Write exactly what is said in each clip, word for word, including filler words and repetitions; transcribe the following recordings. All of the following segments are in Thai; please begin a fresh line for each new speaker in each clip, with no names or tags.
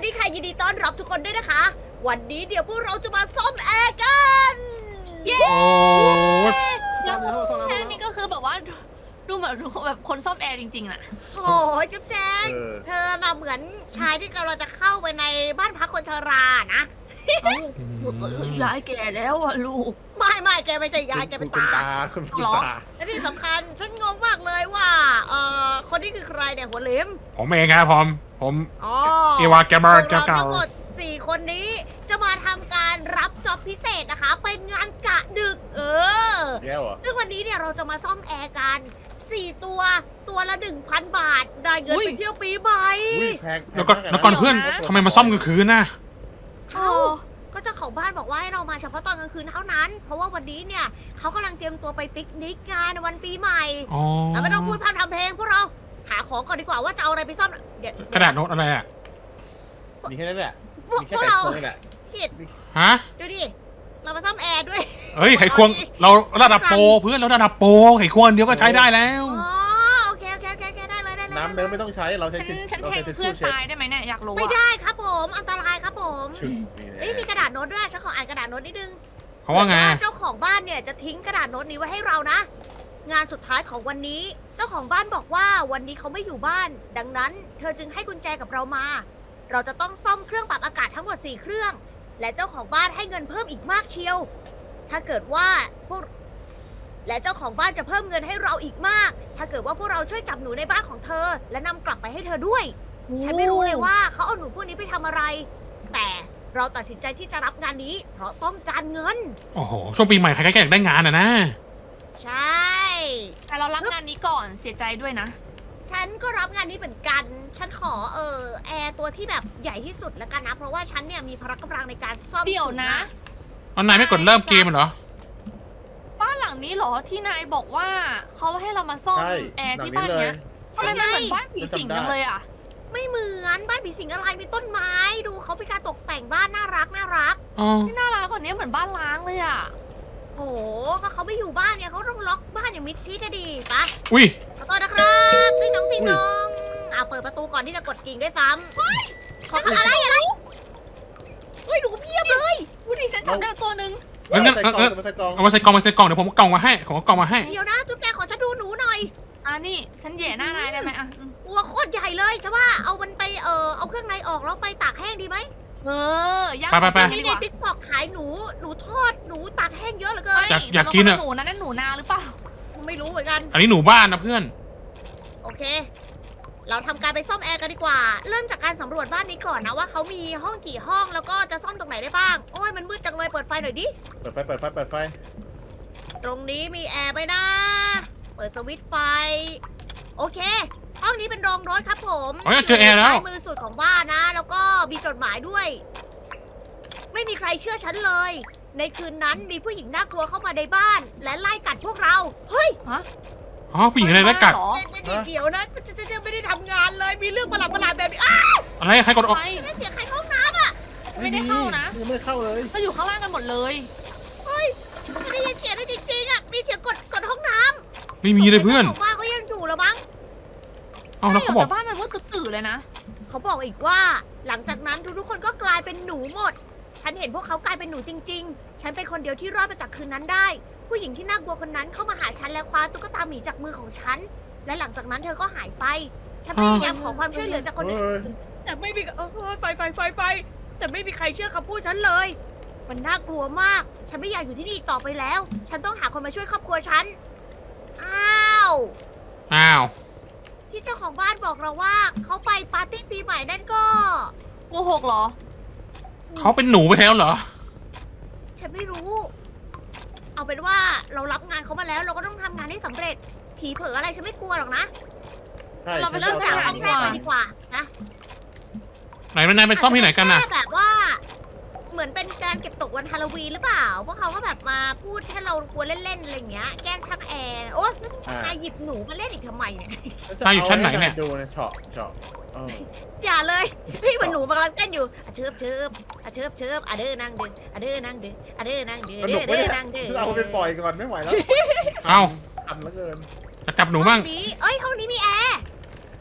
ดีค่ะยินดีต้อนรับทุกคนด้วยนะคะ วันนี้เดี๋ยวพวกเราจะมาซ่อมแอร์กัน
เย้
โอ้
แล้วแค่นี้ก็คือแบบว่าดูเหมือนแบบคนซ่อมแอร์จริงๆน่ะ
โอ้ยจุ๊บแจง
เออ
เธอน่ะเหมือนชายที่กำลังจะเข้าไปในบ้านพักคนชรานะ
เอ้าย้ายแก่แล้วอ่ะลูก
ไม่ไม่แกไม่ใช่ยายแกเป็น
คุณ
ตา
ตาคุณคุณ
หรอ
ตา
และที่สำคัญฉันงงมากเลยว่าเอ่อคนนี้คือใครเนี่ยหัวเหลิม
ผมเองครับผมผม
อ๋อ
เอวาแกมเบอร์
พวกเรา
เก่า
ทั้งหมดสี่คนนี้จะมาทำการรับจ็อบพิเศษนะคะ เป็นงานกะดึก เออ
แย่เหรอ
ซึ่งวันนี้เนี่ยเราจะมาซ่อมแอร์กันสี่ตัวตัวละหนึ่งพันบาท ได้เงิน
อุ๊ย
ไปเที่ยวปีใหม่
อุ้ยแพง
ๆแล้วก็แล้วก่อนเพื่อนทำไมมาซ่อมกลางคืนน่ะ
เออ
ก็เจ้าของบ้านบอกว่าให้เรามาเฉพาะตอนกลางคืนเท่านั้น เพราะว่าวันนี้เนี่ยเขากำลังเตรียมตัวไปปิกนิกงานในวันปีใหม่
อ๋อ
อ่ะไม่ต้องพูดพร่ำทำเพลงพวกเราหาของก่อนดีกว่าว่าจะเอาอะไรไปซ่อมเดี๋ยว
กระดาษโน้ตอะไรอ่ะ
มีแค่นั้นแหละ
พวก
มี
พ
แค่
วก
แต่
เรา
โค้งนี่แหละ
ผิด
ฮะ
ดูดิเรามาซ่อมแอร์ด้วย
เฮ้ยไขควงเราระดับโปรเพื่อนเราระดับโปรไขควงเดียวก็ใช้ได้แล้ว
อ๋อโอเคโอเคโอเคโอเคได้เลยได้เลย
น้ำเดิมไม่ต้องใช้เราใช้
ฉันฉัน
เรา
แท
ใช้
ง
ทิช
เพื่อ
ชู่
น
เช็ด
ตายได้ไหมเนี่ยอยากรู้
ไม่
อ่ะ
ได้ครับผมอันตรายครับผม
ชึบนี่แหละ
เอ้ยมีกระดาษโน้ตด้วยฉันขออ่านกระดาษโน้ตนิดนึง
เขาว่าไง
เจ้าของบ้านเนี่ยจะทิ้งกระดาษโน้ตนี้ไว้ให้เรานะ งานสุดท้ายของวันนี้ เจ้าของบ้านบอกว่าวันนี้เขาไม่อยู่บ้าน ดังนั้น เธอจึงให้กุญแจกับเรามา เราจะต้องซ่อมเครื่องปรับอากาศทั้งหมดสี่เครื่อง และเจ้าของบ้านให้เงินเพิ่มอีกมากเชียว ถ้าเกิดว่าพวกและเจ้าของบ้านจะเพิ่มเงินให้เราอีกมาก ถ้าเกิดว่าพวกเราช่วยจับหนูในบ้านของเธอ และนำกลับไปให้เธอด้วย ฉันไม่รู้เลยว่าเขาเอาหนูพวกนี้ไปทำอะไร แต่เราตัดสินใจที่จะรับงานนี้ เพราะต้องการเงิน
โอ้โหช่วงปีใหม่ใครๆก็อยากได้งานอ่ะนะ
ใช่
แต่เรารับงานนี้ก่อนเสียใจด้วยนะ
ฉันก็รับงานนี้เหมือนกัน ฉันขอเออแอร์ตัวที่แบบใหญ่ที่สุดแล้วกันนะ เพราะว่าฉันเนี่ยมีพละกำลังในการซ่อม
เดี๋ยวนะ
สูงมาก
เอานายไม่กดเริ่มเกมเหรอ
บ้านหลังนี้เหรอที่นายบอกว่าเขาให้เรามาซ่อม
ใช่
แอร์
หลัง
ที่
นี้
บ้าน
เลย
เนี้ยทำไมมันเหมือนบ้านผีสิงจังเลยอ่ะ
ไม่เหมือนบ้านผีสิงอะไรมีต้นไม้ ดูเขาเป็นการตกแต่งบ้านน่ารักน่ารัก
อ๋อ
ที่น่ารักกว่านี้เหมือนบ้านล้างเลยอ่ะ
โอ้โหก็เขาไม่อยู่บ้านเนี่ยเขาต้องล็อกบ้านอย่างมิดชิดนะดีปะ
อุ้ย
ขอโทษนะครับติ๊งน้องติ๊งน้องอ่าเปิดประตูก่อนที่จะกดกิ่งด้วยซ้ำขออะไรอะไรเฮ้ยหนูเพียบเลย
วูดิฉันจับได้ตัวหนึ่ง
งั้นงั้น
ใส่กล่อง
งั้น
จะมาใส่กล่อง
เอามาใส่กล่องมาใส่กล่องเดี๋ยวผมเอากล่องมาให้ผมเอากล่องมาให้
เดี๋ยวนะจุ๊บแจงขอฉันดูหนูหน่อย
อ่านี่ฉันแหย่หน้านายได้ไหมอ่ะอืม
ตัวโคตรใหญ่เลยจะว่าเอามันไปเออเอาเครื่องในออกแล้วไปตากแห้งดีไหม
เออย่าง
ไปไปไป
ดี
นี่
ก
ใน
ว่า
ติ๊กตอกขายหนูหนูทอดหนูตากแห้งเยอะเหลือเกิน
อยากอยากกินอะ
หนูนะนั่นหนูนาหรือเปล่า
ไม่รู้เหมือนกัน
อันนี้หนูบ้านนะเพื่อน
โอเค เราทำการไปซ่อมแอร์กันดีกว่า เริ่มจากการสำรวจบ้านนี้ก่อนนะว่าเขามีห้องกี่ห้องแล้วก็จะซ่อมตรงไหนได้บ้าง โอ้ยมันมืดจังเลยเปิดไฟหน่อยดิ
เปิดไฟเปิดไฟเปิดไฟ
ตรงนี้มีแอร์ไหมนะ เปิดสวิตช์ไฟ โอเค ห้องนี้เป็นโรงรถครับผม
อ๋อเจอแอร์แล้ว
ซ้ายมือสุดของบ้านนะ แล้วก็มีจดหมายด้วย ไม่มีใครเชื่อฉันเลย ในคืนนั้นมีผู้หญิงน่ากลัวเข้ามาในบ้าน และไล่กัดพวกเรา เฮ้ย
อ๋อผู้หญิงอะไรแล้วกัด
เหรอ
เดี๋ยวเดี๋ยวนะฉันยังไม่ได้ทำงานเลย มีเรื่องประหลาดประหลาดๆแบบนี้ อ้าว
อะไรใครกดออก
ไป
นั่นเสียงใครเข้าห้องน้
ไม่ได้เข้านะ
ยังไม่เข้าเลย
เราอยู่ข้างล่างกันหมดเลย
ำเฮ้ยไม่ได้ยินเสียงเลยจริงๆอ่ะ มีเสียงกดกดห้องน้ำ
ไม่มีเลยเพื่อน
จ้าของบ้านเขายังอยู่แล้วมั้ง
เอาแล้วเขาบอก
แต่บ้านมันมืดตื่นๆเลยนะ
เขาบอกอีกว่า หลังจากนั้นทุกๆคนก็กลายเป็นหนูหมด ฉันเห็นพวกเขากลายเป็นหนูจริง ๆ ฉันเป็นคนเดียวที่รอดมาจากคืนนั้นได้ ผู้หญิงที่น่ากลัวคนนั้นเข้ามาหาฉันและคว้าตุ๊กตาหมีจากมือของฉัน และหลังจากนั้นเธอก็หายไป ฉันพยายามขอความช่วยเหลือจากคนอื่น
เฮ้ย
แต่ไม่มีเออไฟไฟไฟไฟ แต่ไม่มีใครเชื่อคำพูดฉันเลย มันน่ากลัวมาก ฉันไม่อยากอยู่ที่นี่อีกต่อไปแล้ว ฉันต้องหาคนมาช่วยครอบครัวฉัน อ้าว
อ้าว
ที่เจ้าของบ้านบอกเราว่าเขาไปปาร์ตี้ปีใหม่นั่นก็
โกหกเหรอ
เขาเป็นหนูไปแล้วเหรอ
ฉันไม่รู้ เอาเป็นว่าเรารับงานเขามาแล้ว เราก็ต้องทำงานให้สำเร็จ ผีเผลออะไรฉันไม่กลัวหรอกนะ
ใช่
เราไป
ฉัน
เริ่ม
ช
จาก
อบ
ห้องแรกเลยดีกว่านะ
ไหนมันนายไปซ่อมที่ไหนกันน่ะ
อาจจะเป็แค่แบบว่า เหมือนเป็นการเก็บตกวันฮาโลวีนหรือเปล่า พวกเขาก็แบบมาพูดให้เรากลัวเล่นๆอะไรอย่างเงี้ย แกล้งชักแอร์ โอ๊ย
อ่าน
ายหยิบหนูมาเล่นอีกทำไมเนี่ย
นายอยู่ชั้นไหนเนี่ย
ดูนะเฉาะเฉาะเออ
อย่าเลยพี่เหมือนหนูมันกำลังเต้นอยู่อะเชิบเชิบอะเชิบเชิบอะเด้อนั่งเด้ออะเด้อนั่งเด้ออะเด้อนั่งเด้อ
สนุ
เด้
ก
อ
ไหม
เด้อ
เนี่ย
นั่งเด้อ
เอาไปปล่อยก่อนไม่ไหวแล้ว
เอ้า
ทันเหลือเกิน
จะจับหนูบ้าง
ห้องนี้เอ้ยห้องนี้มีแอร์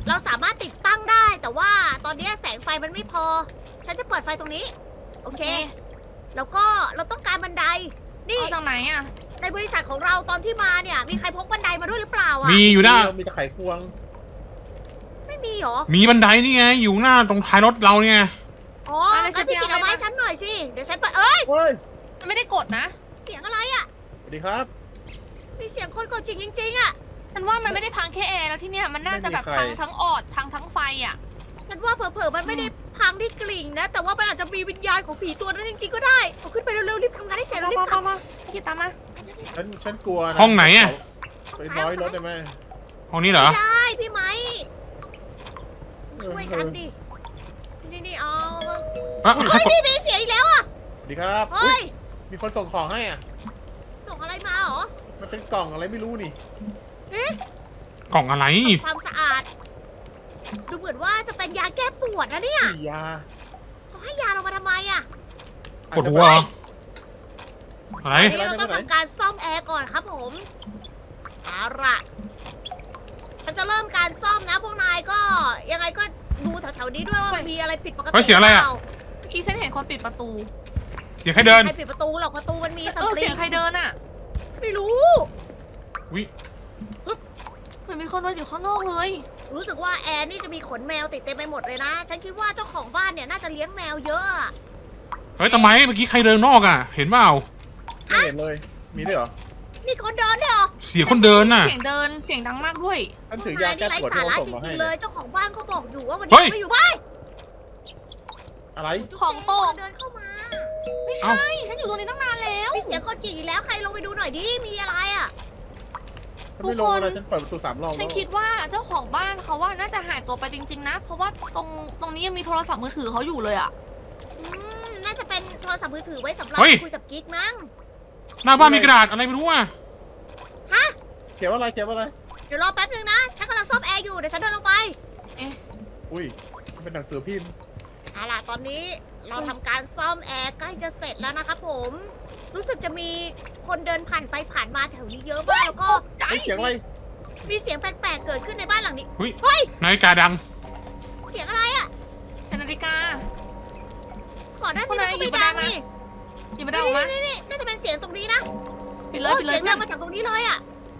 เราสามารถติดตั้งได้ แต่ว่าตอนนี้แสงไฟมันไม่พอ ฉันจะเปิดไฟตรงนี้ โอเค แล้วก็เราต้องการบันได นี่
เอาจากไหนอ่ะ
ในบริษัทของเราตอนที่มาเนี่ย มีใครพกบันไดมาด้วยหรือเปล่าอ่ะ
มีอยู่หน้า
มีตะไคร่ควง
ไม่มีเหรอ
มีบันไดนี่ไง อยู่หน้าตรงท้ายรถเราเนี่ย
อ๋อ
อะไร
งั้นพี่
ฉั
กิ
น
น
ไปเอา
เอาไม้
ให้
ฉันหน่อยสิ เดี๋ยวฉันเปิดเอ้ย
เฮ้ย
มันไม่ได้กดนะ
เสียงอะไรอ่ะ
สวัสดีครับ
มีเสียงคนกดจริงจริงๆอ่ะ
ฉันว่ามันไม่ได้พังแค่แอร์แล้วที่เนี่ยมันน่าจะแบบ
ไม่มีใคร
พังทั้งออดพังทั้งไฟอ่ะ
ฉันว่าเผลอๆมันไม่ได้พังที่กลิ่งนะ แต่ว่ามันอาจจะมีวิญญาณของผีตัวนั้นจริงๆก็ได้เอาขึ้นไปเร็วๆรีบทำงานให้เสร็จ
มา
แล้วรีบ
มาก
ลับ
มากินตามมา
ฉันฉันกลัวนะ
ห้องไหนอะ
ไปร้อยรถได้ไหม
ห้องนี้เหรอ
ไม่ได้พี่ไหมช่วยกันดิ นี่นี่ๆเอา
อ่ะใคร
เฮ้ย
กด
พี่มีเสียงอีกแล้วอ่ะ
สวัสดีครับ
เฮ้ย
มีคนส่งของให้อ่ะ
ส่งอะไรมาเหรอ
มันเป็นกล่องอะไรไม่รู้นี่
เอ๊ะ
กล่องอะไร
ความสะอาด ดูเหมือนว่าจะเป็นยาแก้ปวดนะเนี่ย
ฉี่ยา
เขาให้ยาเรามาทำไมอ่ะ
อาจ
ปวด
จะ
หัวเหรออะไร
อันนี้เราต้องทำการซ่อมแอร์ก่อนครับผม เอาล่ะฉันจะเริ่มการซ่อมนะพวกนายก็ยังไงก็ดูแถวๆนี้ด้วยว่ามันมีอะไรผิดปกติ
เฮ้ยเสียงอะไรอะ
หปล่า
เมื่อกี้ฉันเห็นคนปิดประตู
เสียงใครเดิน
ใครปิดประตูหรอกประตูมันมีส
เออ
ปริ
เสีย
ง
งใครเดินอ่ะ
ไม่รู้
วิ
เหมือนมีคนเดินอยู่ข้างนอกเลย
รู้สึกว่าแอร์นี่จะมีขนแมวติดเต็มไปหมดเลยนะ ฉันคิดว่าเจ้าของบ้านเนี่ยน่าจะเลี้ยงแมวเยอะอะ
เฮ้ยทำไมเมื่อกี้ใครเดินนอกอ่ะ เห็นเปล่า
ไม่เห็นเลย มีด้วยเหรอ
มีคนเดินด้วยเหรอ
เสียงคนเดินน่ะ
เสียงเดินเสียงดังมากด้วย
ฉัน
พว
ถื
ก
อยาน
าย
แก้
นี่ไร้
ปวด
สา
ที่เขา
ระ
ส่ง
จ
มาให้
ริงๆเล
เนี่ย ย
เจ้าของบ้านก็บอกอยู่ว่าวัน
เฮ้
นี้
ย
ไม่อยู่บ้าน
อะไร
ของตก
เดินเข้ามา
ไม่ใช่ ฉันอยู่ตรงนี้ตั้งนานแล้ว
มีเสียงกดกิ่งอีกแล้วใครลงไปดูหน่อยดิมีอะไรอ่ะ
ฉันไม่ลงเลยฉันเปิดประตูสามรอบ
ฉันคิดว่าเจ้าของบ้านเขาว่าน่าจะหายตัวไปจริงๆนะ เพราะว่าตรงตรงนี้ยังมีโทรศัพท์มือถือเขาอยู่เลยอ่ะ
อืมน่าจะเป็นโทรศัพท์มือถือไว้สำหรับ
เฮ้ย
คุยกับกิ๊กมั้ง
หน้าบ้านมีกระดาษอะไรไม่รู้อ่ะ
เขียนว่าอะไรเขียนว่าอะไร
เดี๋ยวรอแป๊บนึงนะฉันกำลังซ่อมแอร์อยู่เดี๋ยวฉันเดินลงไป
อุ้ยมันเป็นหนังสือพิมพ์
เอาล่ะตอนนี้เราทำการซ่อมแอร์ใกล้จะเสร็จแล้วนะครับผม รู้สึกจะมีคนเดินผ่านไปผ่านมาแถวนี้เยอะมากแล้วก็
ใจ
เฮ้ยเสียงอะไร
มีเสียงแปลกๆเกิดขึ้นในบ้านหลังนี้
นาฬิกาดัง
เสียงอะไรอ่ะ
เป็นนาฬิกา
ก่อนหน้า
คน
นี้
ไหน
มันก็
หยิ
ไม่
บมา
ดัง
ได้ไหม
นี่
หยิบมาได้ออกมา
นี่นี่น่าจะเป็นเสียงตรงนี้นะ
ปิดเลย
โอ้
ปิดเลย
เสียงดังมาจากตรงนี้เลยอ่ะ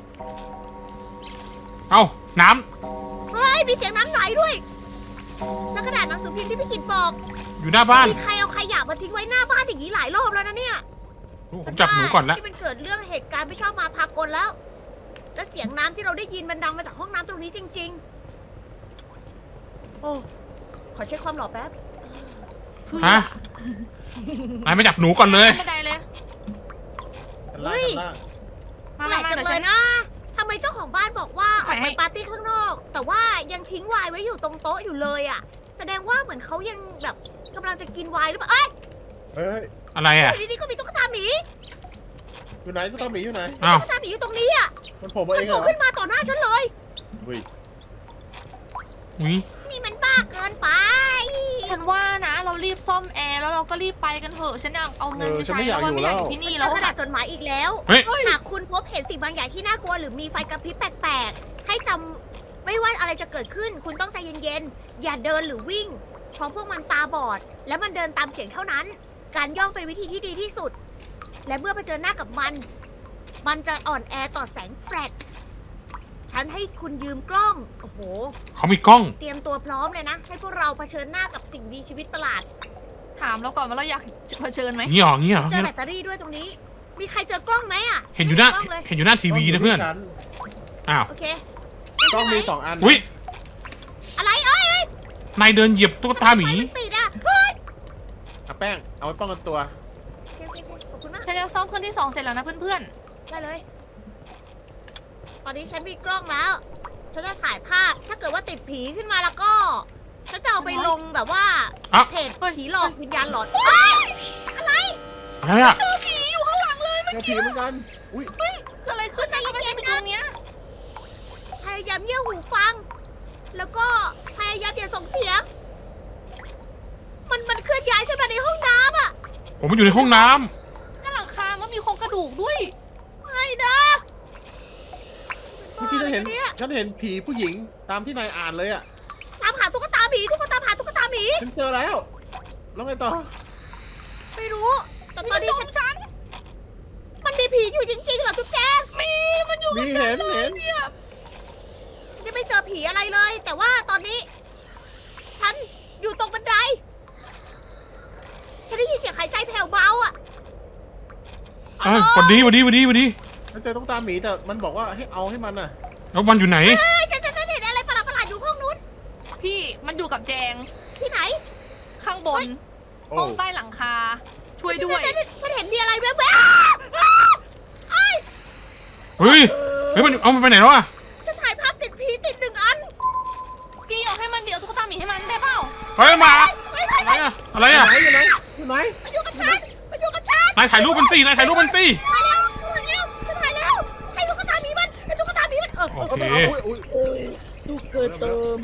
เอ้า น้
เฮ้ยมีเสียงน้ำไหลด้วยแล้วกระดาษหนังสือพิมพ์ที่พี่กินบอก
ำอยู่หน้าบ้าน
มีใครเอาขยะมาทิ้งไว้หน้าบ้านอย่างนี้หลายรอบแล้วนะเนี่ย
โอ้ผมจับหนูก่อนละ
ที่มันเกิดเรื่องเหตุการณ์ไม่ชอบมาพากลแล้ว และเสียงน้ำที่เราได้ยินมันดังมาจากห้องน้ำตรงนี้จริง ๆ โอ้ขอเช็คความหล่อแป๊บ
ฮะนายไม่จับหนูก่อนเลย
ไม่ได้เลย
ชั้นล่าง
เฮ้ย
ชั้นล่าง
มา
แปล
มาก มา
จั
เดี๋
ง
ยว
เล
ฉั
ย
น
นะทำไมเจ้าของบ้านบอกว่าออก
ขาย
ไป
ให้
ปาร์ตี้ข้างนอก แต่ว่ายังทิ้งไวน์ไว้อยู่ตรงโต๊ะอยู่เลยอ่ะ แสดงว่าเหมือนเขายังแบบกำลังจะกินไวน์หรือเปล่า เอ้ย
เฮ้ย
อะไรอ่ะ
อยู่ดีๆก็มีตุ๊กตาหมี
อยู่ไหนตุ๊กตาหมีอยู่ไหน
อ้าว
ตุ๊กตาหมีอยู่ตรงนี้อ่ะ
มันโผล่มา
มั
เอน ง
โผ
เหร
ล่
อ
ขึ้นมาต่อหน้าฉันเลย
อุ้ย
อุ้ย
นี่มันบ้าเกินไป
ฉันว่านะ เรารีบซ่อมแอร์แล้วเราก็รีบไปกันเถอะ ฉันอยากเอาเงินไปใช้แล้วว่าไม่อยากอยู่ที่นี่
แล้
แล้ว ว
กระดา
อะ
ษจดหมายอีกแล้ว
เฮ้ย
หากคุณพบเห็นสิ่งบางอย่างที่น่ากลัวหรือมีไฟกระพริบแปลกๆ ให้จำไม่ว่าอะไรจะเกิดขึ้น คุณต้องใจเย็นๆ อย่าเดินหรือวิ่ง เพราะพวกมันตาบอด และมันเดินตามเสียงเท่านั้น การย่องเป็นวิธีที่ดีที่สุด และเมื่อเผชิญหน้ากับมัน มันจะอ่อนแอต่อแสงแฟลชฉันให้คุณยืมกล้อง โอ้โห
เขามีกล้อง
เตรียมตัวพร้อมเลยนะ ให้พวกเราเผชิญหน้ากับสิ่งมีชีวิตประหลาด
ถามเราก่อนว่าเราอยากเผชิญไหม
งี้เหรองี้เหรอ
เจอ
งี้เห
แบ
รอ
ตเตอรี่ด้วยตรงนี้ มีใครเจอกล้องไหมอ่ะ
เห็นอยู่หน้า
ไม่มีกล้องเลย
เห็นอยู่หน้าทีวีนะเพื่อน
ชั้น
อ้าว
โอเค
กล้องมีสองอัน
อุ้ย
อะไรเอ้ยเอ้ย
นายเดินเหยียบตุ๊กตาหมี
ไฟนปิดอ่ะเฮ้ย
เอาแป้ง เอาไว้ป้องกันตัว
โอเคโอเคโอเคขอบคุณมาก
ฉันจะซ่อมเครื่องที่สองเสร็จแล้วนะเพื่อน
ได้เลย ตอนนี้ฉันมีกล้องแล้ว ฉันจะถ่ายภาพ ถ้าเกิดว่าติดผีขึ้นมาแล้วก็ ฉันจะเอาไปลงแบบว่า
อ่ะ
เพจผีหลอกวิญญาณหลอนเอ้ย
อะไรอ่ะ
ๆเจอผีอยู่ข้างหลังเลย
เจอผีเหมือนกัน อุ้ย
เกิดอะไรขึ้นนะทำไมฉันไปตรงเนี้ย
พยายามเงี่ยหูฟัง แล้วก็พยายามอย่าส่งเสียง มันมันเคลื่อนย้ายฉันมาในห้องน้ำอ่ะ
ผมอยู่ในห้องน้
หน้าหลังคามันมีโครงกระดูกด้วย
ไม่นะบ
เมื่อกี้ฉันเห็น
เนี่ย
ฉันเห็นผีผู้หญิงตามที่นายอ่านเลยอ่ะ
ตามหาตุ๊กตาหมีทุกคนตามหาตุ๊กตาหมี
ฉันเจอแล้วแล้วไงต่อ
ไม่รู้ แต่ตอนนี้ฉัน
ฉัน
มันมีผีอยู่จริงๆเหรอทุกแก
มีมันอยู่
มี
กับ
เห็นเห็น
เนี่ย
ฉันยังไม่เจอผีอะไรเลย แต่ว่าตอนนี้ ฉันอยู่ตรงบันได ฉันได้ยินเสียงหายใจแผ่วเบาอ่ะ
เอ้ยวันดีวันดีวันดีวันดี
ฉันเจอตุ๊กตาหมีแต่มันบอกว่าให้เอาให้มันน่ะ
แล้วมันอยู่ไหน
เฮ้ยฉันฉันฉันเห็นอะไรประหลาดประหลาดๆอยู่ห้องนู้น
พี่มันอยู่กับแจง
ที่ไหน
ข้างบน
โอ้
ห้องใต้หลังคา ช่วยด้วย
ฉันฉันฉันเห็นมีอะไรแวบๆอ้าวอ้าวเอ้ย
เฮ้ยเฮ้ยมันเอามันไปไหนแล้วอะ
ฉันถ่ายภาพติดผีติดหนึ่งอัน
พี่เอาให้มันเดี๋ยวตุ๊กตาหมีให้มันได้เปล่า
เฮ้ยมา
เฮ้ยเฮ้ย
อะไรอะอะไร
อยู่
อะ
ไหนอยู่ไหนอยู่ไหน
มาอยู่กับฉันมาอยู่กับฉัน
นายถ่ายรูปมันสินายถ่ายรูปมันสิ
ถ่ายแล้วถ่ายแล้วฉันถ่ายแล้วไอ้ตุ๊กตาหมีมันไอ้ตุ๊กตาหมีมันเออ
โอเค
อุ้ยอุ้ย
โอ้ยตุ๊กตาหมี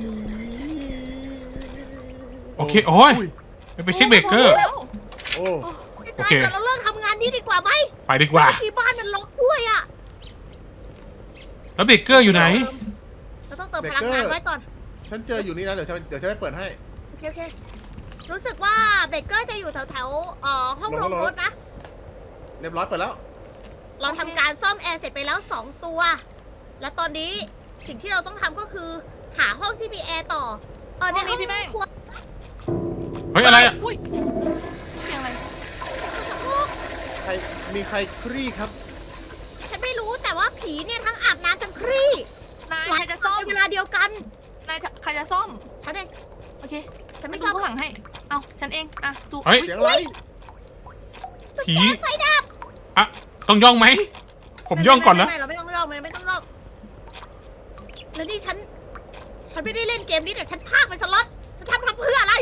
โอเคโอ้ยไปไปเช็คเบรกเกอร์
แล้ว
โอ้
โอเค
แต่เราเลิกทำงานนี้ดีกว่าไหม
ไปดีกว่า
ที่บ้านมันล็อกด้วยอ่ะ
แล้วเบรกเกอร์อยู่ไหน
เราต้องเติมพลังงานไว้ก่อน
ฉันเจออยู่นี่นะเดี๋ยวฉันเดี๋ยวฉันจะเปิดให้
โอเคโอเครู้สึกว่าเบเกอร์จะอยู่แถวแถวๆเอ่อห้อง
ล
โรง ง
รถ
รถนะ
เรียบร้อยเปิดแล้ว
เราทำการซ่อมแอร์เสร็จไปแล้วสองตัว และตอนนี้สิ่งที่เราต้องทำก็คือ หาห้องที่มีแอร์ต่อ เออในห้องครัว
เฮ้ยอะไรอะ
อุ้ยเสียงอะไร
ใครมีใครครี่ครับ
ฉันไม่รู้แต่ว่าผีเนี่ยทั้งอาบน้ำทั้งครี่
นาย
หลา
ใค
ย
รจะ
ค
ซ่อน ม
ในเวลาเดียวกัน
นายจะใครจะซ่อม
ฉันเอง
โอเค
ฉัน
ไม่
ไม่
ซ่
ซ่
อ
อ
ม
ม
ข้างหลังให้ เอาฉันเอง อ่ะดู
เฮ้ย
เสียงอะไร
จุด
ผี
แก๊สไฟดับ
อะต้องย่องไหมผมย่องก่อนนะ
ไม่ไม่เราไม่ต้องย่องไม่ไม่ต้องย่องแล้วนี่ฉัน ฉันไม่ได้เล่นเกมนี้แต่ฉันพากไปสล็อตฉันทำทำเพื่ออะไร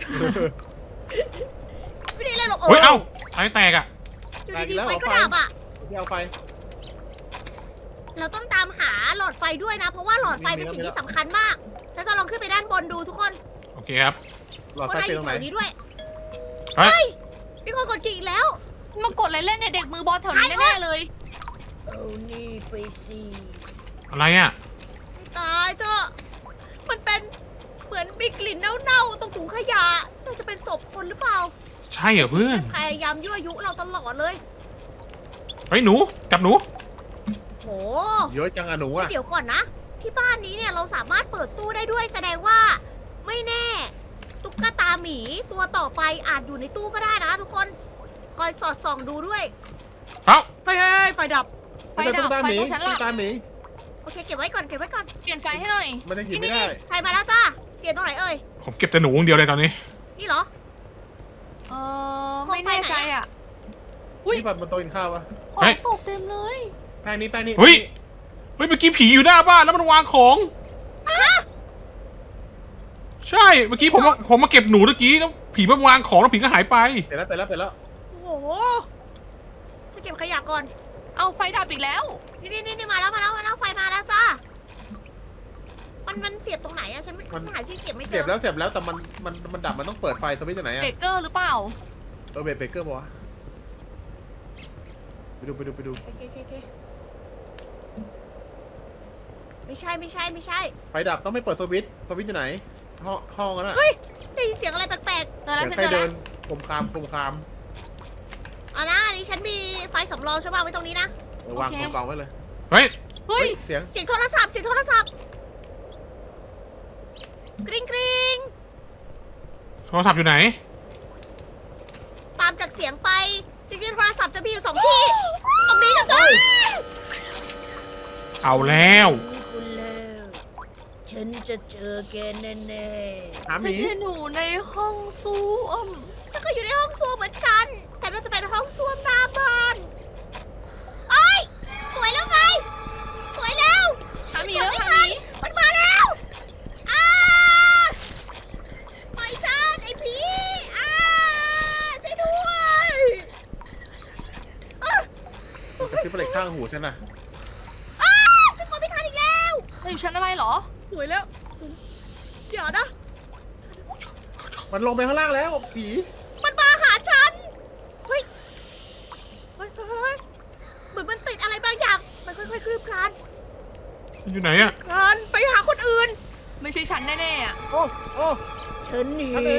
ไม่ได้เล่นหรอก
เฮ้ยเอ้าท้ายแตกอะ
อยู่ดีๆไฟก็ดับอ่ะ
ที่เอาไฟ
เราต้องตามหาหลอดไฟด้วยนะ เพราะว่าหลอดไฟเป็นสิ่งที่สำคัญมาก ฉันจะลองขึ้นไปด้านบนดูทุกคน
โอเคครับ
หลอด
ว่า
ไฟ
นายอ
เป็นตร
ยู่
ง
แถ
ไหน
วนี้ด้วย
เฮ้ย
มีคนกดกิ่งอีกแล้ว
มากดอะไรเล่นเนี่ยเด็กมือบอลแถวนี้แน่ๆเลย
เอานี่ไปสิ
อะไรอะ
ตายเถอะมันเป็นเหมือนมีกลิ่นเน่าๆตรงถุงขยะน่าจะเป็นศพคนหรือเปล่า
ใช่เหรอเพื่อน
พยายามยั่วยุเราตลอดเลย
เฮ้ยหนูจับหนู
โห
เยอะจังอะหนูอะ
เดี๋ยวก่อนนะ ที่บ้านนี้เนี่ยเราสามารถเปิดตู้ได้ด้วยแสดงว่าไม่แน่ ตุ๊กตาหมีตัวต่อไปอาจอยู่ในตู้ก็ได้นะทุกคน คอยสอดส่องดูด้วย
เอ้า
เฮ้ยไฟดับ
ไฟดับ
ตุ๊กตา
ไฟ
หมี
ตรงฉัน
ตุ๊
ล่ะ
กตาหมี
โอเคเก็บไว้ก่อนเก็บไว้ก่อน
เปลี่ยนไฟให้หน่อย
มันยังหยิบ
นี่
ไม่
นี่
ได้
ใครมาแล้วจ้าเปลี่ยนตรงไหนเอ่ย
ผมเก็บแต่หนูอย่างเดียวเลยตอนนี้
นี่เหรอ
เออไม่แน่ใจอ่ะ อุ๊ย
นี่แบบมันโต๊ะกินข้าวปะ
ขอ
เฮ้
ง
ย
ตกเต็มเลย
แป้งนี้แป้งนี้
เฮ้ย เฮ้ยเมื่อกี้ผีอยู่หน้าบ้านแล้วมันวางของ ใช่เมื่อกี้ผมมาผมมาเก็บหนูเมื่อกี้แล้วผีมันวางของแล้วผีก็หายไป
เปลี่ยนแล้วเปลี่ยนแล้วเปลี่ยนแล้ว
โอ้โหฉันเก็บขยะก่อน
เอาไฟดับอีกแล้ว
นี่นี่นี่มาแล้วมาแล้วมาแล้วไฟมาแล้วจ้า มันมันเสียบตรงไหนอะฉันไม่ฉันหาที่เสียบไม่เจ
เสีย
อ
บแล้วเสียบแล้วแต่มันมันมันดับมันต้องเปิดไฟสวิตช์อยู่ไหนอะ
เบเกอร์หรือเปล่า
เออเบรกเบรกเกอร์ปะวะไปดูไปดูไปดู
โอเคโอเคโอเคไม่ใช่ไม่ใช่ไม่ใช่
ไฟดับต้องไม่เปิดสวิตช์สวิตช์อยู่ไหนห้องห้องนั้นอะ
เฮ้ย ได้ยินเสียงอะไรแปลก
เจอแล้ว
เสียง
ฉัน
ใคร
เจอ
เดิ
แล้ว
นคมคามคมคาม
ๆเอานะอันนี้ฉันมีไฟสำรองใช่ป่ะไว้ตรงนี้นะ
เออวางกองกองไว้เลย
เฮ้ย
เฮ้ย
เสียง
เสียงโทรศัพท์เสียงโทรศัพท์กริ๊งกริ๊ง
โทรศัพท์อยู่ไหน
ตามจากเสียงไปจริงๆโทรศัพท์จะมีอยู่สองที่ ตรงนี้กับตรงนี้
เอาแล้ว
นี่คุณแล้วฉันจะเจอแกแน่
หาห
ฉัน
มี
เห็นหนูในห้องซ่วม
ๆฉันก็อยู่ในห้องส้วมเหมือนกัน แต่น่าจะเป็นห้องส้วมหน้าบ้านเอ้ยสวยแล้วไง สวยแล้ว
หาหมีแล้ว
ไม่
หาห
ทั
มี
นมันมาแล้วอ้าปล่อยฉันไอ้ผีอ้าช่วยด้วยอ้า
มันกระซิบอะไรข้างหูฉันน่ะ
อ้าฉันกดไม่ทันอีกแล้ว
มาอยู่ชั้นอะไรเหรอ
สวยแล้วเดี๋ยวนะ
มันลงไปข้างล่างแล้วผี
มันมาหาฉัน เฮ้ย เฮ้ยเฮ้ยเฮ้ยเหมือนมันติดอะไรบางอย่าง มันค่อยๆคลืบคลาน
อยู่ไหนอะ
กันไปหาคนอื่น
ไม่ใช่ฉันแน่ๆอ่ะ
โอ้โอ้
ฉันหิ
อันไหน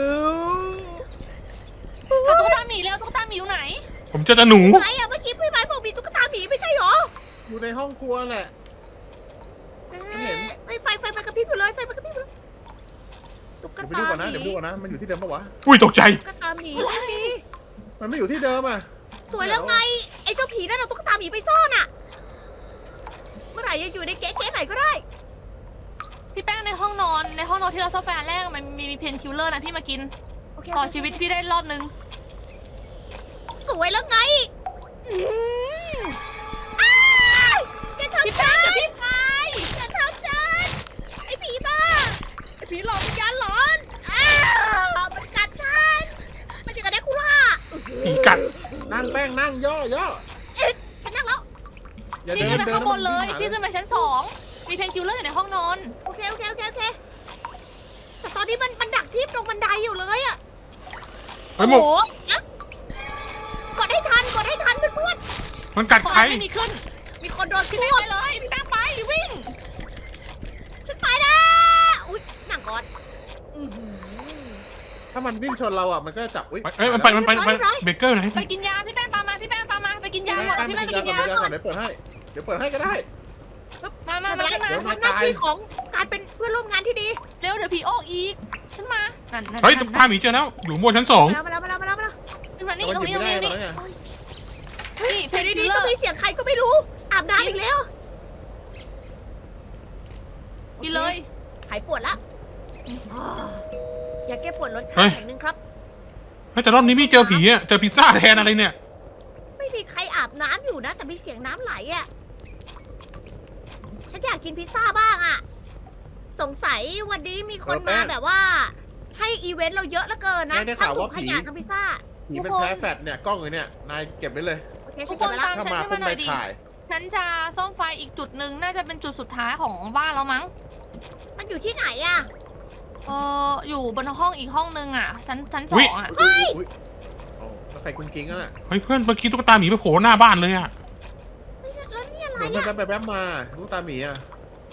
ว
หาตุ๊กตาหมีแล้วตุ๊กตาหมีอยู่ไหน
ผมเจอแต่หนู
ไหนอะเมื่อกี้พี่ไม้บอกมีตุ๊กตาหมีไม่ใช่เหรอ
อยู่ในห้องครัวแหละ เห็น
ไอ้ยไฟไฟมันกระพริบอยู่เลยไฟมันกระพริบอยู่เลยตุ๊ก
เดี๋ยวไป
ตา
ดูก่อนนะ
ห
เดี๋ยวไป
มี
ดูก่อนนะ มันอยู่ที่เดิมปะวะ
อุ้ยตกใจ
ตุ๊กตาหมีไม่มี
มันไม่อยู่ที่เดิมอ่ะ
สวยแล้วไงไอ้เจ้าผีนั่นเอาตุ๊กตาหมีไปซ่อนอะเมื่อไหร่จะอยู่ในเก๊ะๆไหนก็ได้
พี่แป้งในห้องนอนในห้องนอนที่เราซ่อมแฟนแรกมันมีมีเพนคิลเลอร์นะพี่มากิน
โอเค
ต่อ
โเค
ชีวิตพี่ได้รอบนึง
สวยแล้วไงอืมอ้ายอย่าทำ
พี่
ฉั
แป้ง
น
กับพี่ชาย
อย่าทำฉันไอ้ผีบ้าไอ้ผีหลอกวิญญาณหลอนอ้าวมันกัดฉันมันจะกระเดกคุล่า
ผีกัด
นั่งแป้งนั่งย่อย่อ
เอ๊ะฉันนั่งแล้ว
อย่า
พี่
เดิ
ขึ้
น
นไป
เดิน
ข้างบนเลย
แล้วมั
พี่ขึ้นไปชั้นสองมีเพนคิลเลอร์อยู่ในห้องนอน
โอเคโอเคโอเคโอเคแต่ตอนนี้มันมันดักที่ตรงบันไดอยู่เลยอะ
เฮ้ยหม
โอ้
ก
โหอะกดให้ทันกดให้ทันเพื่อน
มันกัด
ขอ
ใคร
ไม่มีขึ้น
ๆมีคนโดน
พี่
ซ่
แป้ง
วม
ไปเลยพี่แป้งไปวิ่ง
ฉันไปแล้วอุ้ยหนังก่อนอื้อหือ
ถ้ามันวิ่งชนเราอ่ะ มันก็จะจับ อุ้ย
เอ้ยมันไปมันไปมันไป
ร้อย
เบเกอร์ไหน
ไปกินยาพี่แป้งตามมาพี่แป้งตามมาไปกินยา
แป้ง
ก่อน
แป้ง
พี่
ไป
แป้งไป
กิน
กิ
ยาน ก่อน
ยา
ไปกินยาก่อนเดี๋ยวเปิดให้ เดี๋ยวเปิดให้ก็ได้
มามา
ไม่
มา
เป็นไร
ขึ้นมา
เดี๋ยว
ทำหน้าที่ของการเป็นเพื่อนร่วมงานที่ดี
เร็วเดี๋ยวผีออกอีกขึ้นมานั่นนั่น
เฮ้ย
นั่
ตุ๊
น
กตาหมีเจอแล้ว อยู่บนชั้นสอง
มาแล้วมาแล้วมาแล้วมาแล้ว
ขึ้นมานี่
แต่
ต
มั
ร
น
ง
หยิบ
นี้ตรง
ไม่ได้
นี้
ตอน
นี่
นี้
นี่เพ
เดี๋ย
น
ว
คิล
ดี
เล
ๆ
อ
ก็
ร์
มีเสียงใครก็ไม่รู้ อาบน้ำอีกแล้ว
กินเลย
หายปวดละอ่าอยากแก้ปวดลด
เฮ้
ค่าย แข็งหนึ่งครับ
เฮ้ยแต่รอบนี้ไม่เจอผีอะเจอพิซซ่าแทนอะไรเนี่ย
ไม่มีใครอาบน้ำอยู่นะ แต่มีเสียงน้ำไหลอ่ะ ฉันอยากกินพิซซ่าบ้างอ่ะ สงสัยวันนี้มีคนมาแบบว่า ให้อีเวนต์เราเยอะเหลือเกินนะทั้งถุงขยะทั้งพิซซ่า
ผีเป็นแพ้แฟดเนี่ย กล้องอยู่เนี่ย นายเก็บไว้เลย
โอเค
ทุ
ฉั
ก
น
ค
เก็บ
น
ไว้แล้ว
ถ้ามา
ตามฉัน
ปุ๊
ขึ้นมาหน่
บนา
อย ยดิ
ถ่าย
ฉันจะซ่อมไฟอีกจุดหนึ่งน่าจะเป็นจุดสุดท้ายของบ้านแล้วมั้ง
มันอยู่ที่ไหนอ่ะ
เอออยู่บนห้องอีกห้องนึงอ่ะชั้นชั้นส
อุ๊
อย งอ่ะ
อุ้ยอุ้ยโอ้แล้วใครกุ้งกิ้งอ่ะ
เฮ้ยเพื่อนเมื่อกี้ตุ๊กตาหมีไปโผล่หน้าบ้านเลยอะ
เฮ้ยแล้วนี่อะไร
เหมือนมัน
อ่ะ
แป๊บแป๊บมาลูกตาหมีอ่ะ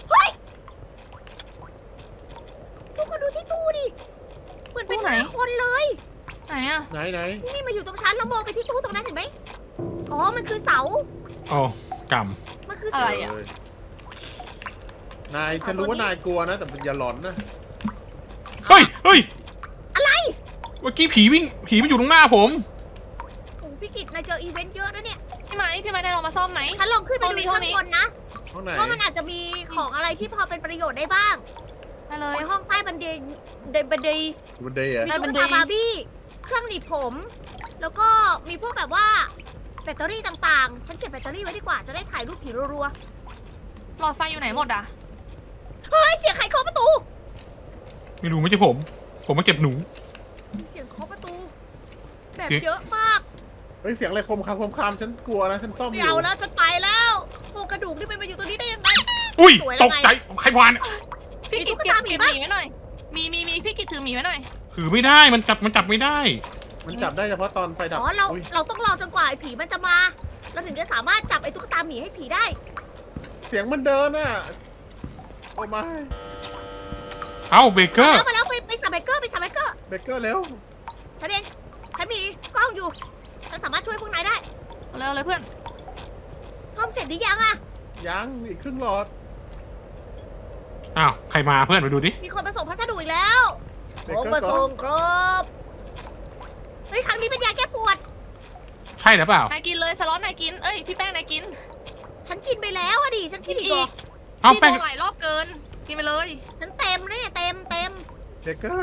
ทุกคนดูที่ตู้ดิ เหมือนเป็น
ตู้
ห
ไหน
น้าคนเลย
ไหนอ่ะ
ไหนไหน
นี่มาอยู่ตรงชั้นแล้วมองไปที่ตู้ตรงนั้นเห็นไหมอ๋อ มันคือเสา
อ๋อก
มันคือ
อะ
เสา
ไรอ่ะ
เยนายฉันรู้ว่านายกลัวนะ แต่อย่าหลอนนะ
ำเฮ้ยเฮ้ย
อะไร
เมื่อกี้ผีวิ่งผีมันอยู่ตรงหน้าผม
โอ้พี่กิตนายเจออีเวนต์เยอะนะเนี่ย
พี่ไหมพี่ไหมได้ลองมาซ่อมไหม
ฉันลองขึ้นไป
ห้อง
ดู
นี้ห้อ
ข้าง ง
นี้
บนนะ
ห้องไหน
ว่ามันอาจจะมีของอะไรที่พอเป็นประโยชน์ได้บ้าง
ได้เลย
ในห้องใต้บันไดเดบันได
บันไดอ่ะ
มี
ใต้บั
ตุ๊
น
ก
ได
ตาบาร์บี้ เครื่องหนีบผม แล้วก็มีพวกแบบว่าแบตเตอรี่ต่างๆ ฉันเก็บแบตเตอรี่ไว้ดีกว่า จะได้ถ่ายรูปผีรัว
หลอดไฟอยู่ไหนหมดอ่ะ
ๆ เฮ้ย เสียงใครเคาะประตู
ไม่รู้ไม่ใช่ผม ผมมาเก็บหนู
มีเสียงเคาะประตู แบบ
เสียง
เยอะมาก
เฮ้ยเสียงอะไรคมคามคมคามฉันกลัวนะ ฉันซ่อมอ
ไม่
ยู่
เอาแล้วจะไปแล้วโครงกระดูกนี่มันมาอยู่ตรงนี้ได้ยังไง
อุ้ย
สวยแล้ว
ตกใจใครวาน
พี่
มี
กิ
ตุ๊
จ
ก
เก็บ
ตาหมี
เก็บ
ปะ
หมีไว้หน่อย มีมีมีพี่กิจถือหมีไว้หน่อย
ถือไม่ได้มันจับมันจับไม่ได้
มันจับได้เฉพาะตอนไฟดับ
อ๋อ เรา
อุ๊ย
เราต้องรอจนกว่าไอ้ผีมันจะมา เราถึงจะสามารถจับไอ้ตุ๊กตาหมีให้ผีได้
เสียงมันเดินอ่ะ โอ้ไม่
เอ้าเบเกอร์
แล้วมาแล้วไปไปสับไบเกอร์ไปสับไบเกอร์
เบเกอร์เร็ว
ฉันเองฉันมีกล้องอยู่ ฉันสามารถช่วยพวกนายได้
เอาเลยเอาเลยเพื่อน
ซ่อมเสร็จหรือยังอะ
ยังอีกครึ่งหลอด
อ้าวใครมาเพื่อนไปดูดิ
มีคนมาส่งพัสดุอีกแล้ว
เบ
ผม
เกอ
มา
ร์ก่อ
ส่
น
งครับเฮ้ยครั้งนี้เป็นยาแก้ปวด
ใช่หรือเปล่าน
ายกินเลยสล็อตนายกิน เอ้ยพี่แป้งนายกิน
ฉันกินไปแล้วอะดิ ฉันกินอีกเหรอ
เอ้า
พี่
แป้ง
โดนหลายรอบเกิน กินไปเลย
ฉันเต็มแล้วเนี่ยเต็มเต็ม
เบเกอร์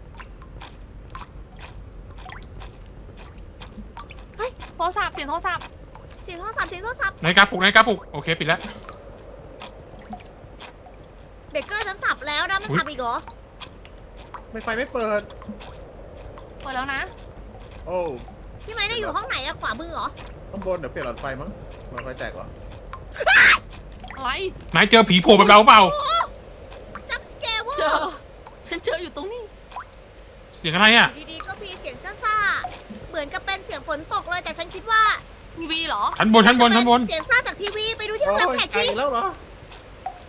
โทรศัพท์เสียงโทรศัพท์
เสียงโทรศัพท์เสียงโทรศัพท์
นาฬิกาปลุกนาฬิกาปลุกโอเคปิดแล้ว
เบเกอร์ฉันสับแล้วนะมัน
อุ๊ย
สับอีกเหรอ
ไม่ไฟไม่เปิด
เปิดแล้วนะ
โอ้
พี่ไม้ได้อยู่ห้องไหนอะขวามือเหรอ
ข้างบนเดี๋ยวเปลี่ยนหลอดไฟมั้งหลอดไฟแตกเหรอ
อะไร
นายเจอผีโผล่แบบเราเปล่า
จับสแกเวอ
เจอ
ร์
ฉันเจออยู่ตรงนี้
เสียงอะไรอ่ะ
ดีๆก็มีเสียงซ่าๆเหมือนกับเป็นเสียงฝนตกเลยแต่ฉันคิดว่า
ทีวีเหรอ
ชั้นบนชั้นบนชั้นบน
เสียงซ่าจากทีวีไปดูที่ห้อง
โอ้
รับ
ย
แขก
ไกล
ดิ
แล้วเหรอ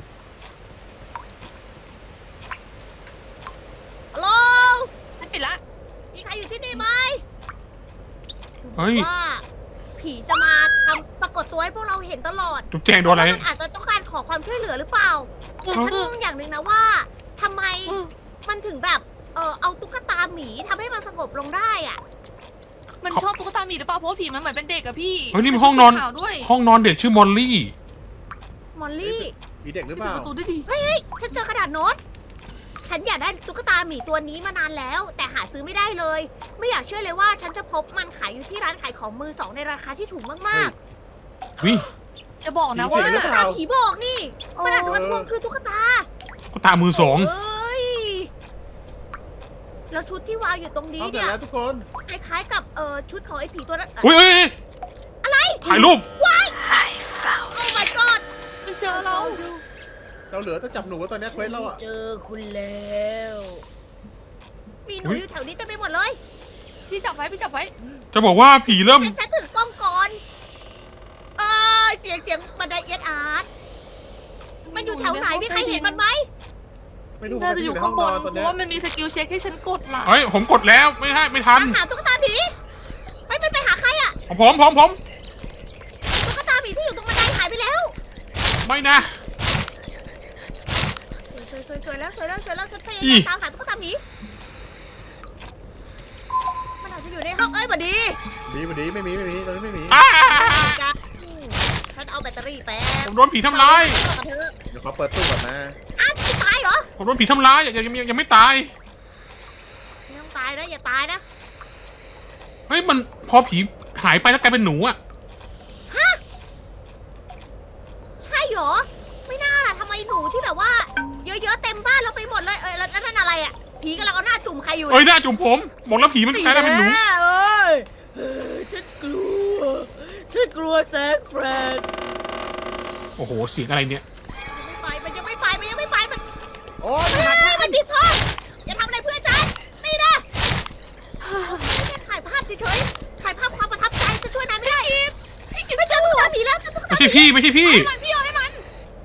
เฮ้ย
ว่า ผีจะมาทำปรากฏตัวให้พวกเราเห็นตลอด
จุ๊บแจงโดนอะไร
มันอาจจะต้องการขอความช่วยเหลือหรือเปล่าแต่ฉันงงอย่างหนึ่งนะว่าทำไมมันถึงแบบเออเอาตุ๊กตาหมีทำให้มันสงบลงได้อะ
มันชอบตุ๊กตาหมีหรือเปล่าเพราะว่าผีมันเหมือนเป็นเด็กอะพี่
เฮ้ยนี่มันห้องนอน
ขาวด้วย
ห้องนอนเด็กชื่อมอลลี่
มอลลี่
มีเด็กหรือ
ปิ
เป
ด
ล่า
ประตูด้วยดิ
เฮ้ยฉันเจอกระดาษโน้ต ฉันอยากได้ตุ๊กตาหมีตัวนี้มานานแล้ว แต่หาซื้อไม่ได้เลย ไม่อยากเชื่อเลยว่าฉันจะพบมันขายอยู่ที่ร้านขายของมือสองในราคาที่ถูกมาก
วิ
จะบอกนะ
ๆ
ว่า
ว่าตุ๊กตาผีบอกนี่มันอาจจะมาทวงคือตุ๊กตา
ก็ตามือสอง
เอ้ยแล้วชุดที่วางอยู่ตรงนี้
เอาเสร็จ
เนี่ย
แล้วทุกคน
คล้ายๆกับเออชุดของไอ้ผีตัวนั้น
อุ้ยเอ้ย
อะไร
ถ่ายรูป
โอ้ my god
มันเจอเรา
เราเหลือแต่จับหนูตอนนี้เควสเราอะ
เจอคุณแล้ว มีหนูอยู่แถวนี้เต็มไปหมดเลย
พี่จับไว้พี่จับไว้
จะบอกว่าผีเริ่ม
ฉันฉันถือกล้องก่อน เออเสียงเสียงบันไดเอียดอาร์ตมันอยู่แถวไหนมีใครเห็นมันไหม
ไม่รู้
น่าจะอยู่ข้างบน
ตอน
เพ
นี้
ราะว่ามันมีสกิลเช็คให้ฉันกดล่ะ
เฮ้ยผมกดแล้วไม่ให้ไม่ทัน
ตามหาตุ๊กตาผีไปมันไปหาใครอะ
ผมผมผมผม
ตุ๊กตาผีที่อยู่ตรงบันไดหายไปแล้ว
ไม่นะ
สวยสวยสวยแล้วสวยแล้วสวยแล้วฉันพยา
อี
ยามตามหาตุ๊กตาผีมันอาจจะอยู่ในห้องเอ้ยบัดดี
ดีมาดีไม่มีไม่มีตอนนี้ไม่มี
อ้า
ฉันเอาแบตเตอรี่แป๊บ
ผมโดนผีทำร้าย
เธอ
เดี๋ยวขอเปิดตู้ก่อนนะ
อ้าวไม่ตายเหรอ
ผมโดนผีทำร้ายยังยังยังยังไม่ตาย
ไม่ต้องตายนะอย่าตายนะ
เฮ้ยมันพอผีหายไปแล้วกลายเป็นหนูอะ
ใช่เหรอ ไม่น่าล่ะทำไมหนูที่แบบว่า เยอะๆเต็มบ้านเราไปหมดเลยเออแล้วแล้วนั่นอะไรอ่ะผีกำลังเอาหน้าจุ่มใครอยู่
เอ้ยหน้าจุ่มผมบอกแล้วผีมันกลายเป็นหนู
แเอ้ยเออฉันกลัว ฉันกลัวแซงแฟรน
โอ้โหเสียงอะไรเนี่ย
ไปมันยังไม่ไปมันยังไม่ไปมัน
โอ้ย
เฮ้ยมันผิดพลาดอย่าทำอะไรเพื่อนฉันนี่นะแค่ถ่ายภาพเฉยๆถ่ายภาพความประทับใจจะช่วยนายไม่ได้พี่ไม่เจอตุ๊กตาผีแล้วเจอตุ๊กตา
ไม่ใช่พี่ไม่ใช่พี่
ให้มันพี่เอาให้มัน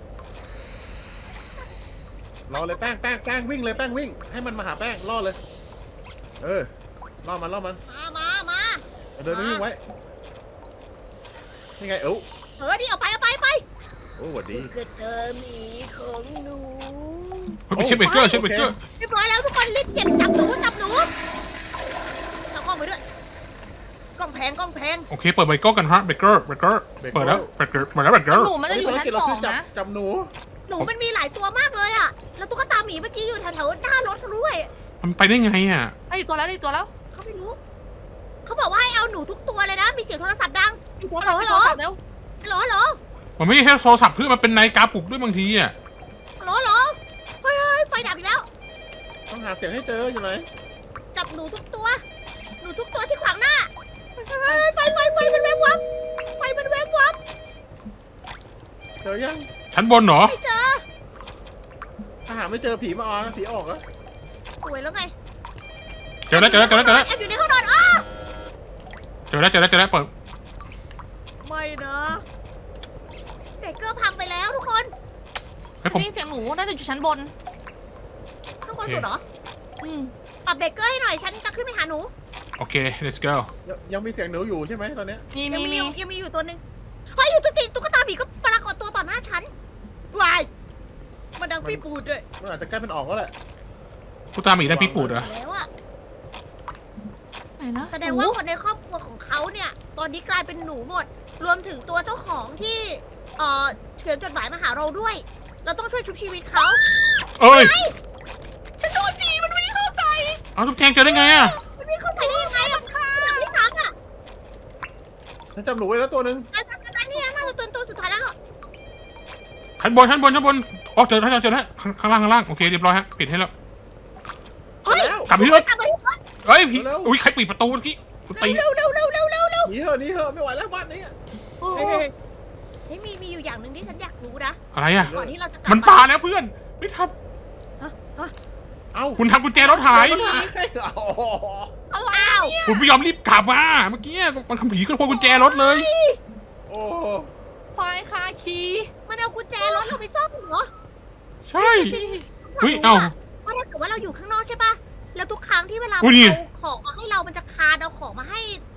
รอเลยแป้งแป้งแป้งวิ่งเลยแป้งวิ่ง ให้มันมาหาแป้งล่อเลย เออล่อมันล่อมัน
มามามา
เดินวิ่งไว้นี่ไงเอ้า
เออดิเอาไปเอาไปไป
โอ้สวัสดี
คือเธอหมีของหนู
เฮ้ยไปเช็คเบเกอร์เช็คเบเกอร์
เรียบร้อยแล้วทุกคนรีบเก็บจับหนูจับหนูเอากล้องไปด้วยกล้องแพงกล้องแพง
โอเคเปิดเบเกอร์กันฮะเบเกอร์เบเกอร์เปิดแล้วเบเกอร์เปิดแล้วเบเกอร์
หนูมันจะอยู่ชั้น
ภารกิจ
ส
เรา
อ
คื
ง
จับ
นะ
จับหนู
หนูมันมีหลายตัวมากเลยอะแล้วตุ๊กตาหมีเมื่อกี้อยู่แถวๆหน้ารถด้วย
มันไปได้ไงอ่ะ
ไอ้อีกตัวแล้วไอ้อีกตัวแล้ว
เขาไม่รู้เขาบอกว่าให้เอาหนูทุกตัวเลยนะ มีเสียงโทรศัพท์ดัง
อีกตัว
ฮัลโหล
อีกตัวจับเร็ว
ฮัลโหลฮัลโหล
มันไม่ใช่แค่โทรศัพท์เพื่อนมันเป็นนาฬิกาปลุกด้วยบางทีอ่ะ
ฮัลโหลฮัลโหลเฮ้ยเฮ้ยไฟดับอีกแล้ว
ต้องหาเสียงให้เจออยู่ไหน
จับหนูทุกตัว หนูทุกตัวที่ขวางหน้าเฮ้ยไฟไฟไฟมันแวบวับไฟมันแวบวับ
เจอยัง
ชั้นบนเหรอ
ไม่เจอ
ถ้าหาไม่เจอผีมาออนนะผีออกแล้ว
สวยแล้วไง
เจอแล้วเจอแล้วเจอแล้วเจอแล้ว
แอบอยู่ในห้องนอนอ้า
เจอแล้วเจอแล้วเจอแล้วเปิด
ไม่นะเบเกอร์พังไปแล้วทุกคน
เฮ้ยผม
นี่เสียงหนูน่าจะอยู่ชั้นบน
ข้างบนสุดเหรอ
อืม
ปรับเบเกอร์ให้หน่อย ฉันจะขึ้นไปหาหนู
โอเค let's go
ยังยังมีเสียงหนูอยู่ใช่ไหมตอนเนี้ย
มี
ยัง
มี
มี
มี
อยู่ยังมีอยู่ตัวหนึ่งเฮ้ยอยู่ตุ๊กติตุ๊กตาผีก็ปรากฏตัวต่อหน้าฉันวายมันดังพี่ปูดด้วย
มันอาจจะใกล้เป็นออกแล้วแหละ
ผู้ตามอีกนั่นพี่ปูดเหรอ
แล้วอะ
ไหนนะ
แสดงว่าคนในครอบครัวของเขาเนี่ย ตอนนี้กลายเป็นหนูหมด รวมถึงตัวเจ้าของที่เอ่อเขียนจดหมายมาหาเราด้วย เราต้องช่วยชุบชีวิตเขา
เอ้ย
ฉันโดนผีมันวิ่งเข้าใส่
เอาทุกแจงเจอได้ไงอ่ะ
มันวิ่งเข้าใส่ได้ยังไงอะแบบที่สามอะ
ฉันจับหนูไว้แล้วตัวหนึ่ง
ไอ้ตอนนั้นเนี่ยน่าจะตัวตัวสุดท้ายแล้วเหรอ
ชั้นบนชั้นบนชั้นบนอ๋อเจอแล้วเจอแล้วข้างข้างล่างข้างล่างโอเคเรียบร้อยฮะปิดให้แล้ว
เฮ้ย
แล้ว
กลับไปที่รถ
กลับมาที่รถ
เฮ้ยผี
เร็ว
อุ้ยใครปิดประตูเมื่อกี้ตี
เร็วเร็วเร็วเร็วเร็วเร็ว
หนีเหอะหนีเหอะไม่ไหวแล้วบ้านนี้อะ
โอ้
เฮ้ยเฮ้ยมีมีอยู่อย่างหนึ่งที่ฉันอยากรู้นะ
อะไรอ่ะ
ก่อนที่เราจะกลับ
มันตายแล้วเพื่อนไม่ท
เอ้า
ำคุณทำกุญแจรถหาย
มันหายอ๋อ
อะไร
อ้าว
เนี่ย
คุณไม่ยอมรีบกลับมาเมื่อกี้มันทำผีขึ้นพวงกุญแจรถเลย
โอ้
ไฟคาคี
มันเอากุญแจรถเราไปซ่อมเหรอ
ใช่เฮ้ยเอ้า
ว่าถ้าเกิดว่าเราอยู่ข้างนอกใช่ปะแล้วทุกครั้งที่เวลา
อุ๊ยนี่
เอาของมาให้เรามันจะคานเอาของมาให้ที่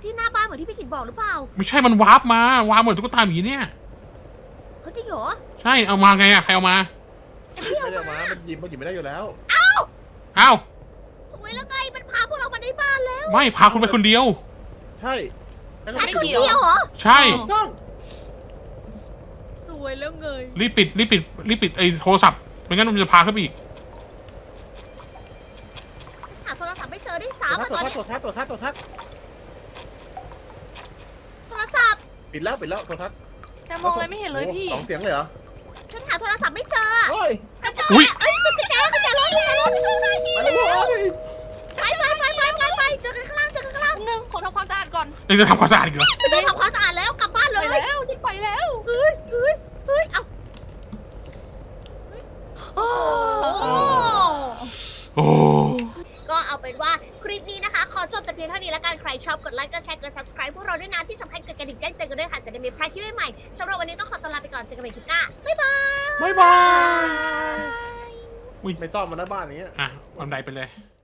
ที่หน้าบ้านเหมือนที่พี่กิตบอกหรือเปล่า
ไม่ใช่มันวาร์ปมาวาร์ปเหมือนตุ๊กตาหมีเนี่ย
เฮ้ยจริงเหรอ
ใช่เอามาไงอะใครเอามา
ไอ้พี่
ไม่
เอา
ได้
มา
มามันหยิบมันหยิบไม่ได้อยู่แล้ว
อ้าว
สวยแล้วไงมันพาพวกเรามาในบ้านแล้ว
ไม่พาคุณไปคนเดียว
ใช่แล้วก็
ฉัน
ไม่
คน
เกี่ยว
เดียวเหรอ
ใช่
ถูกต้อง
สวยแล้วไง
รีบปิดรีบปิดรีบปิดไอ้โทรศัพท์ไม่งั้นมันจะพาขึ้นไปอีก
หาโทรศัพท์ไม่เจอได้
ตัว
สาม
ทั
อะ
ด
ตอน
ตัว
เนี้ย
ทัดตัวทัดตัวทัด
โทรศัพท์
ปิดแล้วปิดแล้วตัวทัด
แต่มองอะไรไม่เห็นเลยพี่
สองเสียงเลยเหรอ
ฉันหาโทรศัพท์ไม่เจอ
เฮ้ย
กระจก
อุ๊ย
เอ้ยมันกระแจกระแจรถกระแจรถกระแจรถ
ไปแล้วเว้ย
ไปไปไปไปไปไปเจอกันข้างล่างเจอกันข้างล่าง
หนึ่งขอทำความสะอาดก่อน
ยังจะทำความสะอาดอีกเหรอ
ไม่ต้องทำความสะอาดแล้วกลับบ้าน
ไป
เลย
แล้วฉันไปแล้ว
เฮ้ยเฮ้ยเฮ้ยเอา
โอ้
โอ้
โอ้
ก็เอาเป็นว่าคลิปนี้นะคะ ขอจบแต่เพียงเท่านี้ละกัน ใครชอบกดไลค์กดแชร์กด subscribe พวกเราด้วยนะ ที่สำคัญกดกระดิ่งแจ้งเตือนกันด้วยค่ะ จะได้ไม่พลาดคลิปใหม่ๆสำหรับวันนี้ต้องขอตัวลาไปก่อน เจอกันใหม่คลิปหน้า บ๊ายบาย
บายบาย
ไม่ซ่อมมันหน้าบ้านนี้
อ่ะบันไดไปเลย